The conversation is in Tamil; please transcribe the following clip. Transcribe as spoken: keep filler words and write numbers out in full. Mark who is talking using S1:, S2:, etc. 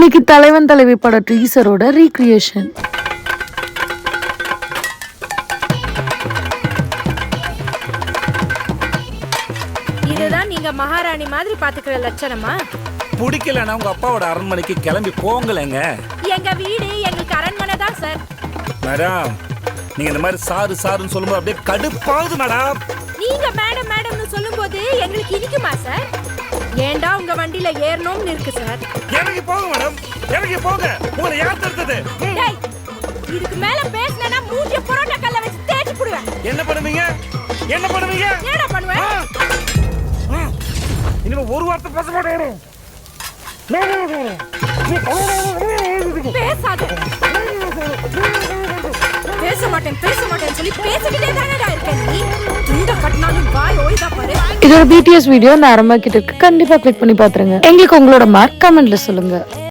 S1: இன்னைக்கு தலைவன் தலைவி பட டீசரோட ரீக்ரியேஷன்.
S2: இதுதான் நீங்க மகாராணி மாதிரி பாத்துக்கிற லட்சணமா?
S3: பிடிக்கலன்னா உங்க அப்பாவோட அரண்மனைக்கு கிளம்பி போங்களேங்க.
S2: எங்க வீடு எங்களுக்கு அரண்மனை தான் சார்.
S3: மேடம், நீங்க இந்த மாதிரி சாரு சாருன்னு சொல்லும்போது அப்படியே கடுப்பாகுது மேடம்.
S2: நீங்க மேடம் மேடம்னு சொல்லும்போது எங்களுக்கு இனிக்குமா சார்? ஏண்டா உங்க வண்டியில ஏறணும்னு இருக்கு சார்.
S3: இறங்கி போங்க மேடம், இறங்கி போங்க. உங்களை யார் தடுத்தது?
S2: டேய், இதுக்கு மேல பேசினா மூஞ்சிய புரோட்டா கல்ல வச்சு தேய்ச்சி புடுவேன்.
S3: என்ன பண்ணுவீங்க? என்ன பண்ணுவீங்க?
S2: என்னடா பண்ணுவேன்?
S3: இனிமே ஒரு வார்த்தை பேச மாட்டேன்.
S2: பேசாத. பேச மாட்டேன் பேச மாட்டேன்னு சொல்லி பேசிக்கிட்டே தானடா இருக்க நீ. துண்ட கட்டினாலும் வாய் ஓய்தா பாரு.
S1: இதோட பிடிஎஸ் வீடியோ நான் ஆரம்பா கிட்ட இருக்கு. கண்டிப்பா கிளிக் பண்ணி பாத்துருங்க. எங்களுக்கு உங்களோட மார்க் கமெண்ட்ல சொல்லுங்க.